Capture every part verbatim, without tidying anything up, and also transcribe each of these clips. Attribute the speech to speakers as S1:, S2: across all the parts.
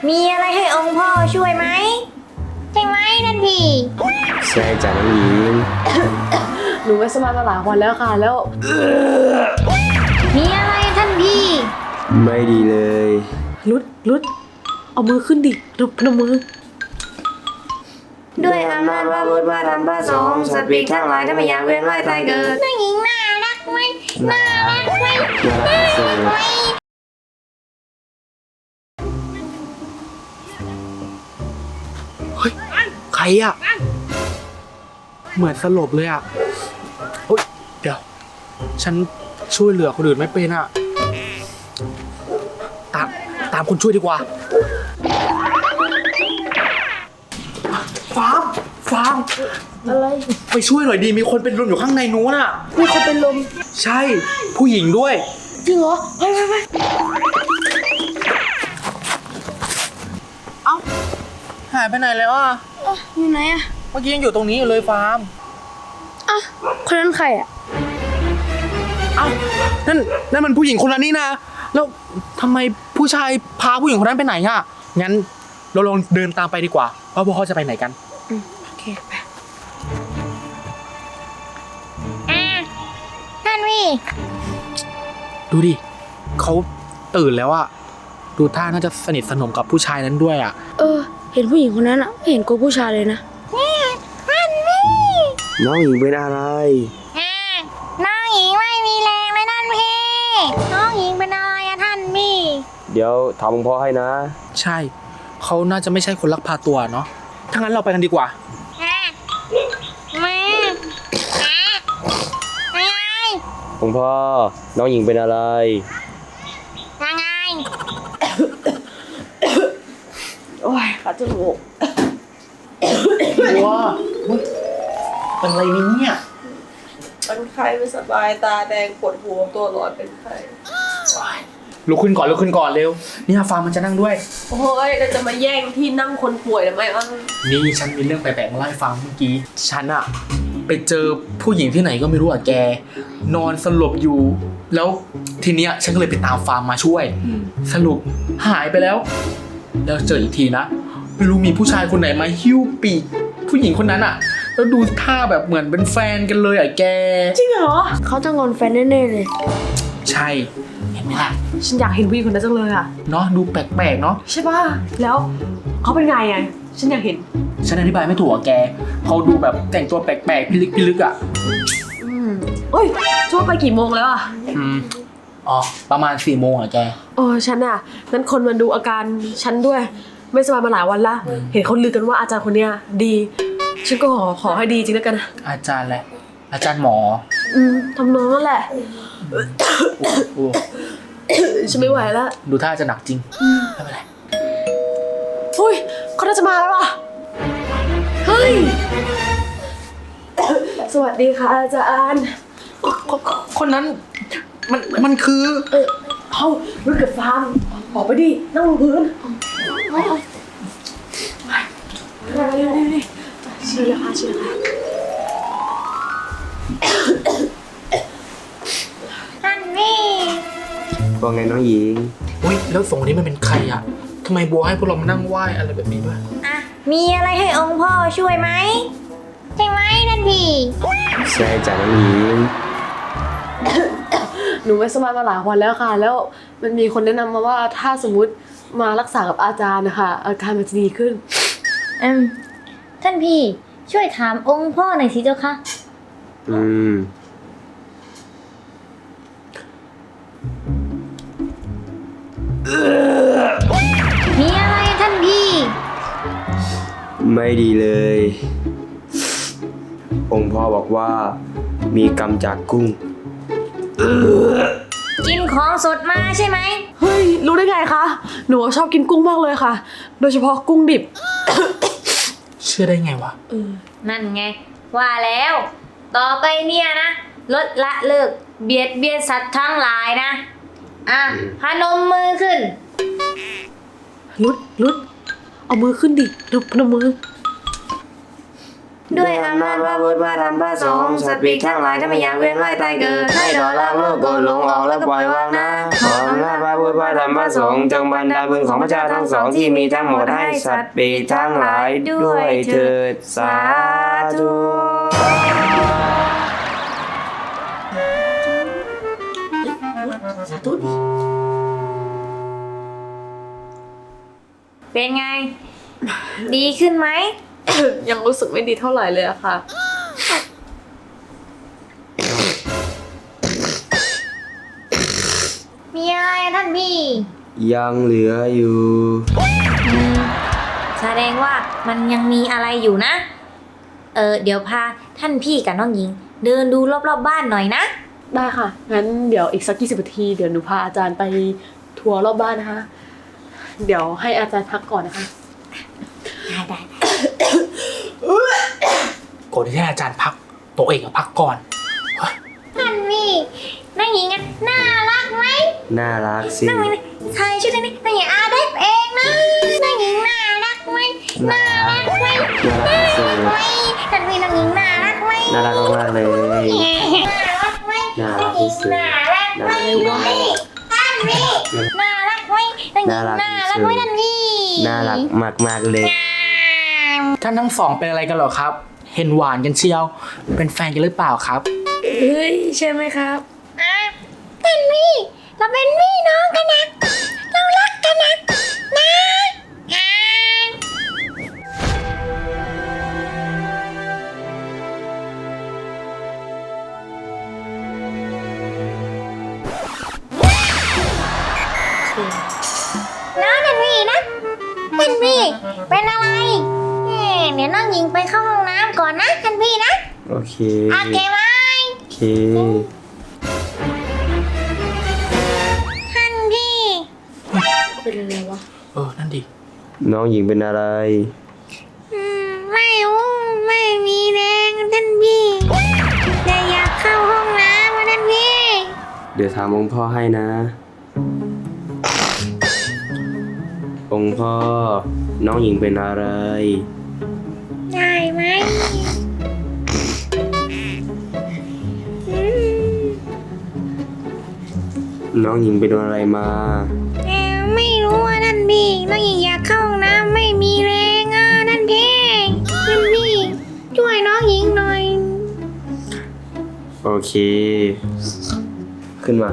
S1: มีอะไรให้องค์พ่อช่วยไหมใช่ไหมท่านพี่
S2: ใช่จ้ะน้องหญิง
S3: หนูไม่สบายมาหลายวันแล้วค่ะแล้ว
S1: มีอะไรท่านพี่
S2: ไม่ดีเลย
S3: รุดรุดเอามือขึ้นดิรุดพนมมือ
S1: ด้วยอำนาจว่าบุตรว่าธรรมพระสงฆ์สัตว์ปีกทั้งหลายถ้าไม่อยากเวียนว่ายตายเกิดน้องหญิงน่ารักไหมน่ารักไหมน่ารักไหม
S4: เฮ้ยใครอ่ะเหมือนสลบเลยอ่ะเฮ้ยเดี๋ยวฉันช่วยเหลือคนอื่นไม่เป็นอ่ะตามตามคนช่วยดีกว่าฟาร์มฟาร์ม
S3: อะไร
S4: ไปช่วยหน่อยดีมีคนเป็นลมอยู่ข้างในนู้นอ่ะ
S3: มีคนเป็นลม
S4: ใช่ผู้หญิงด้วย
S3: จริงเหรอไปไปไป
S4: เอ้าหายไปไหนแล้วอ่ะ
S3: อยู่ไหนอ่ะ
S4: เมื่อกี้ยังอยู่ตรงนี้อยู่เลยฟาร์ม
S3: อ่ะคนนั้นใครอ่ะ
S4: เอ้านั่นนั่นมันผู้หญิงคนนั้นนี่นะแล้วทำไมผู้ชายพาผู้หญิงคนนั้นไปไหนอ่ะงั้นเราลองเดินตามไปดีกว่าว่าพวกเขาจะไปไหนกัน
S3: โอเคไป
S1: อ่าท่านพี่
S4: ดูดิเขาตื่นแล้วอะดูท่าน่าจะสนิทสนมกับผู้ชายนั้นด้วยอะ
S3: เออเห็นผู้หญิงคนนั้นอ่ะไม่เห็นกลัวผู้ชายเลยนะ
S1: นี่ท่านพี่
S2: น้องหญิงเป็นอะไร
S1: อ่าน้องหญิงไม่มีแรงเลยท่านพี่น้องหญิงเป็นอะไรอะท่านพี่
S2: เดี๋ยวถามหลวงพ่อให้นะ
S4: ใช่เขาน่าจะไม่ใช่คนลักพาตัวเนาะถ้างั้นเราไปกันดีกว่า
S1: อ่ามาอ่ายังไง
S2: หลวงพ่อน้องหญิงเป็นอะไร
S1: ยังไง
S3: โอ้ยขาจมูก
S4: ว้าเป็นอะไรเนี่ย
S3: เป็นไข้ไม่สบายตาแดงปวดหัวตัวร้อนเป็นไข้
S4: ลุกขึ้นก่อนลุกขึ้นก่อนเร็วนี่ฟาร์มมันจะนั่งด้วย
S3: โอ้ยเราจะมาแย่งที่นั่งคนป่วยทำไมอ่ะ
S4: นี่ฉันมีเรื่องแปลกๆมาเล่าให้ฟังเมื่อกี้ฉันอะไปเจอผู้หญิงที่ไหนก็ไม่รู้อะแกนอนสลบอยู่แล้วทีเนี้ยฉันก็เลยไปตามฟาร์มมาช่วยสรุปหายไปแล้วแล้วเจออีกทีนะไม่รู้มีผู้ชายคนไหนมาหิ้วปีกผู้หญิงคนนั้นอะแล้วดูท่าแบบเหมือนเป็นแฟนกันเลยอะแก
S3: จริงเหรอเขาจะงอนแฟนแน่ๆเลย
S4: ใช่เห็นไหมล่ะ
S3: ฉันอยากเห็นผู้หญิงคนนั้นจังเลยอะ
S4: เนาะดูแปลกๆเนาะ
S3: ใช่ป่ะแล้วเขาเป็นไงอะฉันอยากเห็น
S4: ฉันอธิบายไม่ถูกอะแกเขาดูแบบแต่งตัวแปลกๆพิลึกพิลึกอะ
S3: อืมเอ้ยช่วงไปกี่โมงแล้วอะ
S4: อืมอ๋อประมาณสี่โมงอะแก
S3: โอ้ฉันอะงั้นคนมาดูอาการฉันด้วยไม่สบายมาหลายวันละเห็นเขาลือกันว่าอาจารย์คนเนี้ยดีฉันก็ขอขอให้ดีจริงแล้วกัน
S4: อาจารย์แหละอาจารย์หมอ
S3: อืมทำนองนั่นแหละ
S4: โอ้
S3: ฉันไม่ไหวแล้ว
S4: ดูท่าจะหนักจริงไม่เป็นไร
S3: อุ้ยเขาน่าจะมาแล้วอ่ะเฮ้ยสวัสดีค่ะอาจารย์
S4: คนนั้นมันมันคือ
S3: เออเอารุ่นกับฟาร์มออกไปดินั่งลงพื้นไปไปเร็วๆดิเชื่อเลยค่ะเชื่อเลย
S1: ท่านพี่
S2: ว่าไงน้องหญิง
S4: อุ้ยแล้วสองคนนี้มันเป็นใครอะทำไมบัวให้พวกเรามานั่งไหว้อะไรแบบนี้ด้วย
S1: อ่ะมีอะไรให้องค์พ่อช่วยไหมใช่ไหมท่านพี่
S2: ใช่จ้ะน้องหญิง
S3: หนูไม่สบายมาหลายวันแล้วค่ะแล้วมันมีคนแนะนำมาว่าถ้าสมมุติมารักษากับอาจารย์นะคะอาการมันจะดีขึ้น
S1: อืมท่านพี่ช่วยถามองค์พ่อหน่อยสิเจ้าค่ะ
S2: อืม
S1: มีอะไรท่านพี่
S2: ไม่ดีเลยองค์พ่อบอกว่ามีกรรมจากกุ้ง
S1: กินของสดมาใช่ไหม
S3: เฮ้ยรู้ได้ไงคะหนูชอบกินกุ้งมากเลยค่ะโดยเฉพาะกุ้งดิบ
S4: เชื่อได้ไงวะ
S1: นั่นไงว่าแล้วต่อไปเนี่ยนะลดละเลิกเบียดเบียนสัตว์ทั้งหลายนะอ่ะพนมมือขึ้น
S3: ลุดลุดเอามือขึ้นดิลุดพนมมือ
S1: ด้วยอำนาจว่าบุตรว่าธรรมพระสงฆ์สัตว์ปีกทั้งหลายถ้าไม่อยากเวียนว่ายตายเกิดให้ดอกลางโลกโกรธหลงออกและปล่อยวางนะ
S2: ของพระพุทธพระธรรมพระสงฆ์จงบรรดาบุญของพระเจ้าทั้งสองที่มีทั้งหมดให้สัตว์ปีกทั้งหลายด้วยเถิดสาธุ
S1: เป็นไง ดีขึ้นไหม
S3: ยังรู้สึกไม่ดีเท่าไหร่เลยอะค่ะ
S1: มีอะไรอะท่านพี่
S2: ยังเหลืออยู่
S1: อืมแสดงว่ามันยังมีอะไรอยู่นะ เออเดี๋ยวพาท่านพี่กับน้องหญิง เดินดูรอบๆบบ้านหน่อยนะ
S3: ได้ค่ะ งั้นเดี๋ยวอีกสักยี่สิบนาทีเดี๋ยวหนูพาอาจารย์ไปทัวร์รอบบ้านนะคะ เดี๋ยวให้อาจารย์พักก่อนนะคะ
S1: ได้ได้
S4: ก่อนที่ให้อาจารย์พักตัวเองอะพักก่อน
S1: ท่านพี่น้องหญิงอะน่ารักไหม
S2: น่ารักสิ
S1: น้องหญิงใส่ชุดนี้น้องหญิงอาเด็กเองนะน้องหญิงน่ารักไหมน่ารักไหม
S2: น่ารักสุด
S1: ไหมท่านพี่น้องหญิงน่ารักไหม
S2: น่ารักมากๆเลย
S1: น่ารักไหม
S2: น่ารักที่สุด
S1: น่ารักไหมท่านพี่น่ารักไหมน้องหญิง
S2: น่ารัก
S1: น่า
S2: ที่
S1: รัก
S2: สุ
S1: ไหม
S2: ด
S1: ท่านพี่
S2: น่ารักมากๆเลย
S4: ท่านทั้งสองเป็นอะไรกันเหรอครับ เห็นหวานกันเชียว เป็นแฟนกันหรือเปล่าครับ
S3: เฮ้ย ใช่ไหมครับ
S1: อ่ะท่านพี่เราเป็นพี่น้องกันนะเรารักกันนะนะอ่าน้องท่านพี่นะท่านพี่เป็นอะไรเอ่อเดี๋ยวน้องหญิงไปเข้าห้องน้ำก่อนนะท่านพี่นะ
S2: โอเค
S1: โอเคไหม
S2: โอเค
S1: ท่านพี่
S3: เป็นอะไรวะ
S4: เออ นั่นดิ
S2: น้องหญิงเป็นอะไร
S1: อืมไม่รู้ไม่มีแรงท่านพี่แต่อยากเข้าห้องน้ำอะท่านพี่
S2: เดี๋ยวถามองค์พ่อให้นะ องค์พ่อ น้องหญิงเป็นอะไร
S1: ได้ไหมอืม
S2: น้องหญิงเป็นอะไรมา
S1: แต่ไม่รู้ว่าท่านพี่น้องหญิงอยากเข้าห้องน้ำไม่มีแรงอ่ะท่านพี่ท่านพี่ช่วยน้องหญิงหน่อย
S2: โอเค ขึ้นมา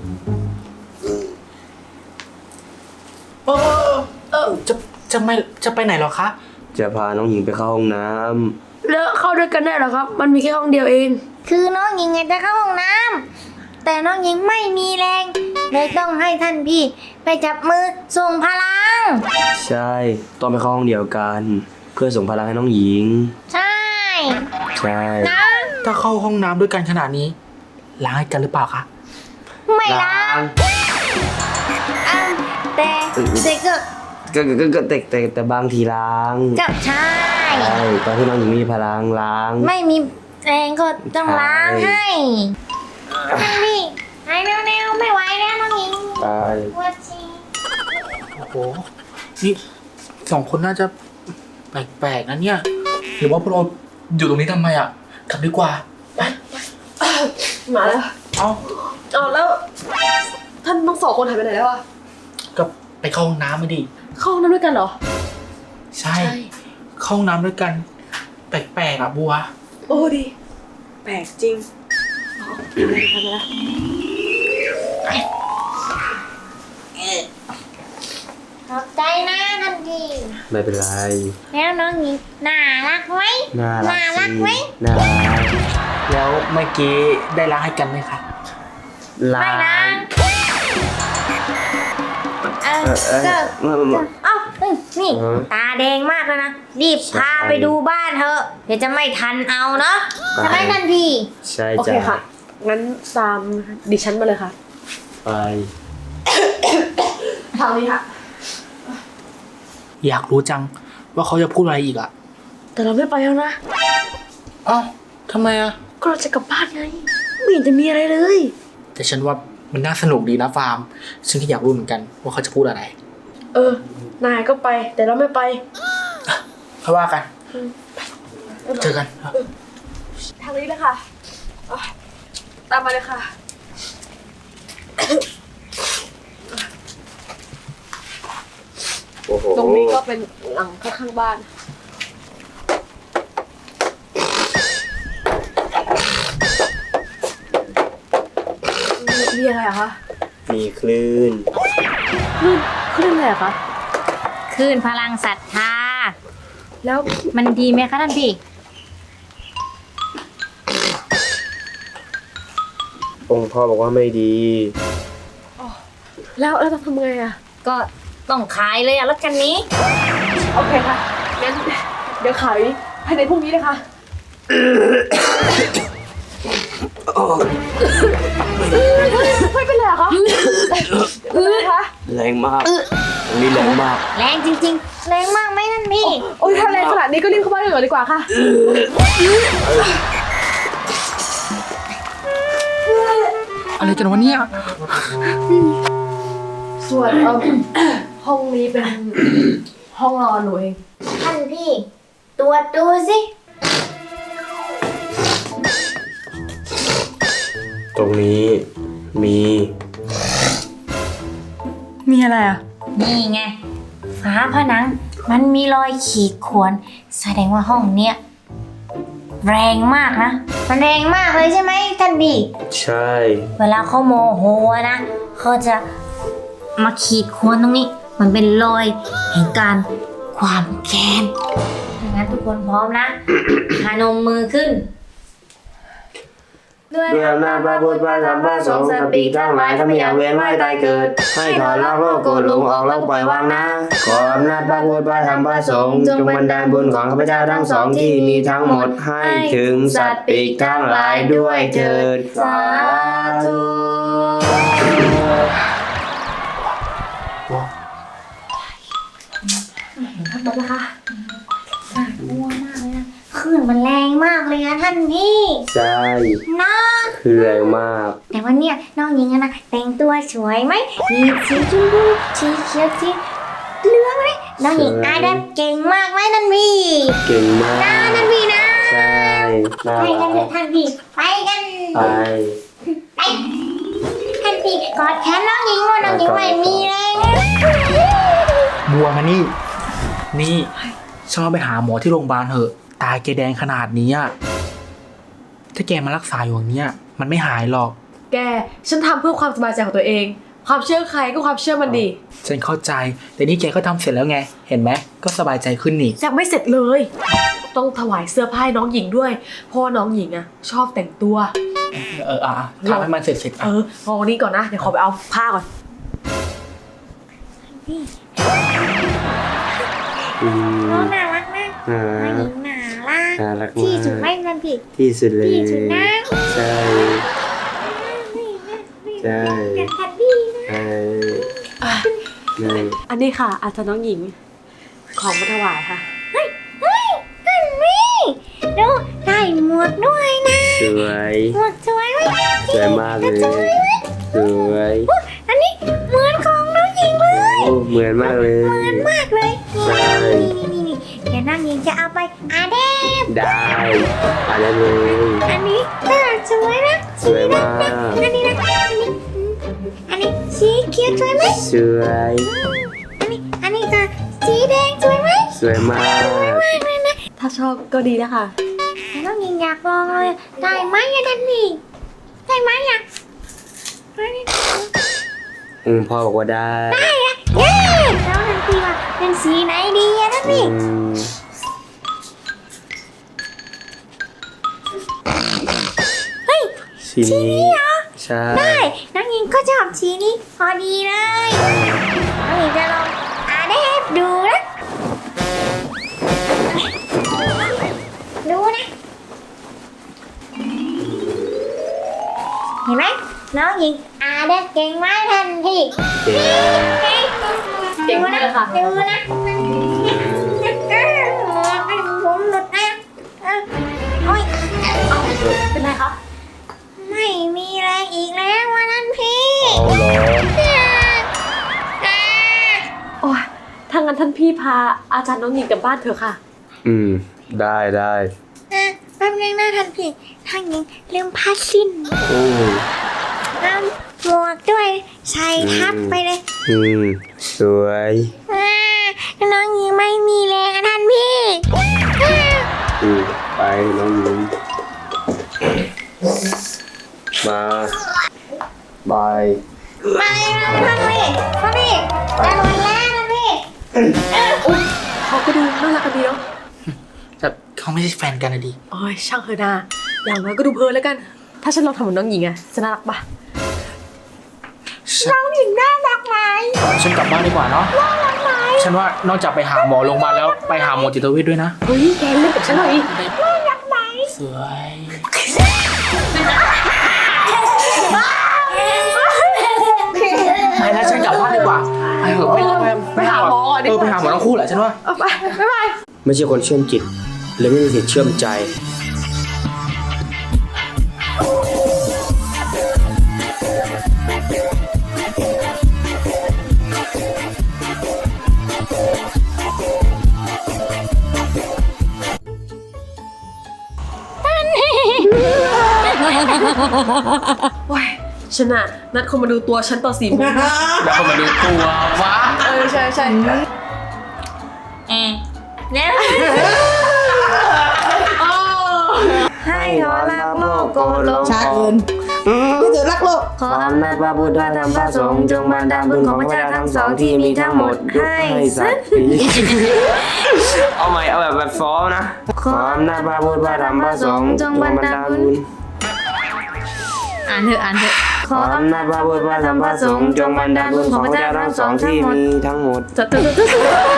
S4: เออเออจะจะไม่จะไปไหนเหรอคะ
S2: จะพาน้องหญิงไปเข้าห้องน้
S3: แล้วเข้าด้วยกันได้เหรอครับ มันมีแค่ห้องเดียวเอง
S1: คือน้องหญิงอยากจะเข้าห้องน้ำแต่น้องหญิงไม่มีแรงเลยต้องให้ท่านพี่ไปจับมือส่งพลัง
S2: ำใช่ ต้องไปเข้าห้องเดียวกัน เพื่อส่งพลังให้น้องหญิง
S1: ใช่
S2: ใช่
S1: นะ
S4: ถ้าเข้าห้องน้ำด้วยกันขนาดนี้ ล้างให้กันหรือเปล่าคะ
S1: ไม่ล้างอ่ะแต่แต่ก็
S2: ก็ก็ก็ก็แต่แต่แต่บางทีล้าง
S1: กับใช่
S2: ใช่ตอนที่น้องหญิงมีพลังล้าง
S1: ไม่มีแรงก็ต้องล้างให้ท่านพี่หายแนวๆไม่ไหวแล้วน้องหญิง
S2: ตาย
S1: ปวดฉี่
S4: โอ้โห นี่สองคนน่าจะแปลกๆนะเนี่ย หรือว่าพวกเราอยู่ตรงนี้ทำไมอ่ะ กลับดีกว่า ไป
S3: มาแล้ว
S4: เอา
S3: เอาแล้ว ท่านทั้งสองคนหายไปไหนแล้วอะ
S4: ก็ไปเข้าห้องน้ำไม่ดี
S3: เข้าห้องน้ำด้วยกันเหรอ
S4: ใช่ เข้าห้องน้ำด้วยกัน แปลกๆอ่ะบัว
S3: โอ้ดี แปลกจริงอ๋อไปแล้วไปแล้ว
S1: ขอบใจนะท่านพี่
S2: ไม่เป็นไร
S1: แล้วน้องหญิงน่ารักไหม
S2: น่ารัก
S1: รัก
S2: สิ
S1: ไหม
S2: น่ารัก
S4: แล้วเมื่อกี้ได้ล้างให้กันไหมคะ
S2: ล้า
S1: ไม่ล้าง
S2: ง
S1: เออ
S2: เออเออ
S1: ก็
S2: เมื่อเมื่อ
S1: เอ้าเอ้ยนี่
S2: เออ
S1: ตาแดงมากแล้วนะ รีบ
S2: ใช่
S1: พาไปดูบ้านเถอะ เดี๋ยวจะไม่ทันเอาเนาะ
S2: ไป
S1: ใช่ไหมท่านพี่
S2: ใช่
S3: โอเค
S2: จ้ะ
S3: ค่ะ งั้นตามดิฉันมาเลยค่ะ
S2: ไป
S3: ทางนี้ค่ะ
S4: อยากรู้จังว่าเขาจะพูดอะไรอีกอ่ะ
S3: แต่เราไม่ไปแล้วนะ
S4: เอ้าทำไมอ่ะ
S3: ก็เราจะกลับบ้านไง ไม่เห็นจะมีอะไรเลย
S4: แต่ฉันว่ามันน่าสนุกดีนะฟาร์ม ฉันก็อยากรู้เหมือนกันว่าเขาจะพูดอะไร
S3: เออ นายก็ไป แต่เราไม่ไป
S4: ค่อยว่ากัน เจอกัน
S3: ทางนี้เลยค่ะอ่ะตามมาเลยค่ะ
S2: โอ้โห
S3: ตรงนี้ก็เป็นหลังข้างๆบ้านมีอะไรอะคะ
S2: มีคลื่น
S3: คลื่นคลื่นอะไรอะคะ
S1: คลื่นพลังศรัทธา
S3: แล้ว
S1: มันดีไหมคะท่านพี่
S2: องค์พ่อบอกว่าไม่ดี
S3: แล้วแล้วจะทำไงอะ
S1: ก็ต้องขายเลยอะรถคันนี้
S3: โอเคค่ะงั้นเดี๋ยวขายภายในพรุ่งนี้เลยค่ะไม่เป็นไรเหรอคะเป็นไรคะ
S2: แรงมากตรงนี้แรงมาก
S1: แรงจริงๆ แรงมากไหมท่านพี่
S3: โอ้ยถ้าแรงขนาดนี้ก็รีบเข้าบ้านกันก่อนดีกว่าค่ะ
S4: อะไรกันวะเนี่ย
S3: ส่วนเอิ่ม ห้องนี้เป็นห้องนอนหนูเอง
S1: ท่านพี่ ตรวจดูสิ
S2: ตรงนี้มี
S3: มีอะไรอ่ะ
S1: นี่ไง ฝาผนัง มันมีรอยขีดข่วน แสดงว่าห้องเนี้ยแรงมากนะ มันแรงมากเลยใช่ไหมท่านพี่
S2: ใช่
S1: เวลาเขาโมโหนะ เขาจะมาขีดข่วนตรงนี้ มันเป็นรอยแห่งการความแค้นถ้างั้นทุกคนพร้อมนะ พนมมือขึ้น ด้วย
S2: ด้วยอำนาจพระพุทธพระธรรมพระสงฆ์สัตว์ปีกทั้งหลายถ้าไม่อยากเวียนว่ายตายเกิด ให้ถอนละโลกโกรธหลงออกแล้วปล่อยวางนะ ขออำนาจพระพุทธพระธรรมพระสงฆ์จงบันดาลบุญของข้าพเจ้าทั้งสองที่มีทั้งหมดให้ถึงสัตว์ปีกทั้งหลายด้วยเถิดสาธุ
S3: ทำแบบนะคะ
S1: น่ากลัวมากเลยนะคลื่นมันแรงมากเลยนะท่านพี่
S2: ใช่
S1: นะ
S2: คือแรงมาก
S1: แต่วันเนี้ยน้องหญิงอะนะแต่งตัวสวยไหมมีสีชมพูสีเขียวสีเหลืองไหมน้องหญิงอาดับเก่งมากไหมท่านพี่
S2: เก่งมาก
S1: นะท่านพี่นะ
S2: ใช่น่า
S1: ไปกันเถ
S2: รั
S1: อะ
S2: ก
S1: ท่านพี่ไปกัน
S2: ไป
S1: ไปท่านพี่กอดแขนน้องหญิงว่าน้องหญิงไม่มีแรงนะ
S4: บัวมานี่ นี่ฉันว่าไปหาหมอที่โรงพยาบาลเถอะ ตาแกแดงขนาดนี้อะถ้าแกมารักษาอยู่อย่างเนี้ยมันไม่หายหรอก
S3: แก ฉันทำเพื่อความสบายใจของตัวเอง ความเชื่อใครก็ความเชื่อมันดี
S4: ฉันเข้าใจ แต่นี่แกก็ทำเสร็จแล้วไง เห็นไหม ก็สบายใจขึ้นนี่
S3: ยังไม่เสร็จเลย ต้องถวายเสื้อผ้าให้น้องหญิงด้วย เพราะว่าน้องหญิงอะชอบแต่งตัว
S4: เอออ่ะทำให้มันเสร็จเสร็จ
S3: เออเอาอันนี้ก่อนนะ เดี๋ยวขอไปเอาผ้าก่อน
S2: อืม
S1: น้องน่ารักนะ
S2: อ่า
S1: น้องหญิงน่ารัก
S2: น่ารัก
S1: ที่สุดไหม
S2: มาก
S1: ท่านพี่
S2: ที่สุดเลย
S1: ที่สุดนะ
S2: ใช่ ใช่
S1: กันท่านพี่นะ
S2: ใช่ใช่
S3: อันนี้ค่ะ อาจารย์น้องหญิง ของมาถวายค่ะ
S1: เฮ้ยเฮ้ยท่านพี่ดูได้หมวกด้วยนะ
S2: สวย
S1: หมวกสวยไหม
S2: สวยมากเลย
S1: สวยไหม
S2: สวย
S1: อุ๊ยอันนี้เหมือนของน้องหญิงเลย
S2: โอ้เหมือนมากเลย
S1: เหมือนมากเลย
S2: ใช่
S1: นี่นี่นี่เดี๋ยวน้องหญิงจะเอาไปอาเดบ
S2: ได้ไปได้เลย
S1: อันนี้น่าสวยนะ
S2: สวยมาก
S1: อันนี้นะอันนี้อันนี้สีเขียวสวยไหม
S2: สวย
S1: อันนี้อันนี้ก็สีแดงสวยไหม
S2: สวยมาก
S1: มากเลยนะ
S3: ถ้าชอบก็ดีนะคะ
S1: แต่น้องหญิงอยากลองเลยได้ไหมอะท่านพี่ได้ไหมอะได้ไหม
S2: อืมพ่อบอกว่าได้
S1: ได้อะเย้แล้วท่านพี่ว่าเป็นสีไหนดีอะท่าน
S2: อื
S1: พี่
S2: ม
S1: เฮ้ย
S2: สีนี้ใช่
S1: ได้น้องหญิงก็ชอบสีนี้พอดีเลยน้องหญิงจะลองอาเดฟดูนะดูนะเห็นไหมน้องหญิงอาเดฟเก่งมากทันที
S2: เก่ง
S3: เก่งมากเลยค่ะ
S1: ดูนะผมหลุดนะโอ้ย
S3: เป็นไรคะ
S1: ไม่มีแรงอีกแล้ววันนั้นพี่
S2: เอาเหรอ
S3: โอ้ยถ้างั้นท่านพี่พาอาจารย์น้องหญิงกลับบ้านเถอะค่ะ
S2: อืมได้ได้
S1: อ่ะแป๊บนึงนะท่านพี่ท่านหญิงลืมผ้าสิ้น
S2: อืม
S1: เอาหมวกด้วยใส่ทับไปเลย
S2: อืมสวย
S1: อ่าน้องหญิงไม่มีแรงอะท่านพี่
S2: อืมไปน้องหญิงมาบาย
S1: มาเลยนะท่านพี่ท่านพี่จะหมดแล้วท่านพี่
S3: เขาก็ดูน่ารักกันดีเนาะ
S4: แต่เขาไม่ใช่แฟนกันนะดิ
S3: โอ้ยช่างเถอะนาอย่างน้อยก็ดูเพลินแล้วกัน ถ้าฉันลองทำเหมือนน้องหญิงอะจะน่ารักปะ
S1: น้องหญิงน่ารักไหม
S4: ฉันกลับบ้านดีกว่าเนาะ
S1: น่ารักไหม
S4: ฉันว่านอกจากไปหาหมอโรงพยาบาลแล้วไปหาหมอจิตเวชด้วยนะ
S3: เฮ้ยแกเล่นกับฉันหน่อย
S1: น่ารักไหม
S4: สวย ไปแล้วฉันกลับบ้านดีกว่าไปเถอะไปไปไปหาหมอเออไปหาหมอทั้งคู่แหละฉันว่า
S3: เอาไปบ๊ายบาย
S2: ไม่ใช่คนเชื่อมจิตและไม่มีสิทธิ์เชื่อมใจ
S3: โอ้ยฉันอะนัดคนมาดูตัวฉันตอนสี่โมง
S4: แล้วก็มาดูตัววะ
S3: เออใช่ใช่
S1: เอ๊ะเนี่ย ให้ขอรักโลกโกรธหลง
S5: ช้าเกินก็จะรักโลก
S1: ขออำนาจพระพุทธพระธรรมพระสงฆ์จงบันดาลบุญของพระเจ้าทั้งสองที่มีทั้งหมดให้สัตว์
S2: เอาใหม่เอาแบบแบบฟ้อนะ ขออำนาจพระพุทธพระธรรมพระสงฆ์จงบันดาลบุญ
S1: อ่านเถอะอ่านเถอะ
S2: ขออำนาจพระพุทธพระธรรมพระสงฆ์จงบันดาลบุญของพระเจ้าทั้งสองที่มีทั้งหมด
S3: จะจะจะจะ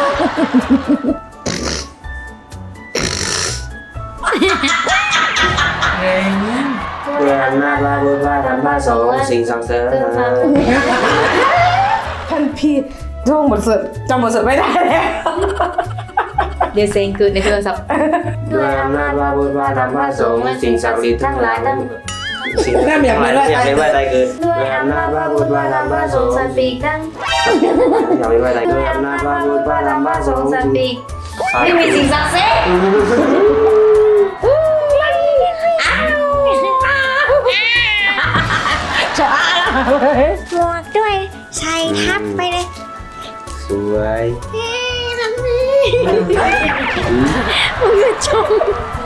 S2: ด้วยอำนาจพระพุทธพระธรรมพระสงฆ์สิ่งศักดิ์สิทธิ์
S5: ท่านพี่ท่องบทสวดจำบทสวดไม่ได้แล้ว
S1: เดี๋ยวเซ็งเกิดในโทรศัพท์
S2: ด้วยอำนาจพระพุทธพระธรรมพระสงฆ์สิ่งศักดิ์สิทธิ์ทั้งหลายทั้งสิ่งศักดิ์สิทธิ์ทั้งหลายอยากเป็นว่าใจเกิดด้วยอำนาจพระพุทธพระธรรมพระสงฆ์
S1: สัตว์ปีกตั้ง
S2: อยากเป็นว่าใจด้วยอำนาจพระพุทธพระธรรมพระสงฆ์
S1: สัตว์ปีกไม่มีสิ่งศักดิ์สิทธิ์หมวกด้วยใส่ทับไปเลย
S2: สวย
S1: เฮ้ยแบบนี้มึงจะชม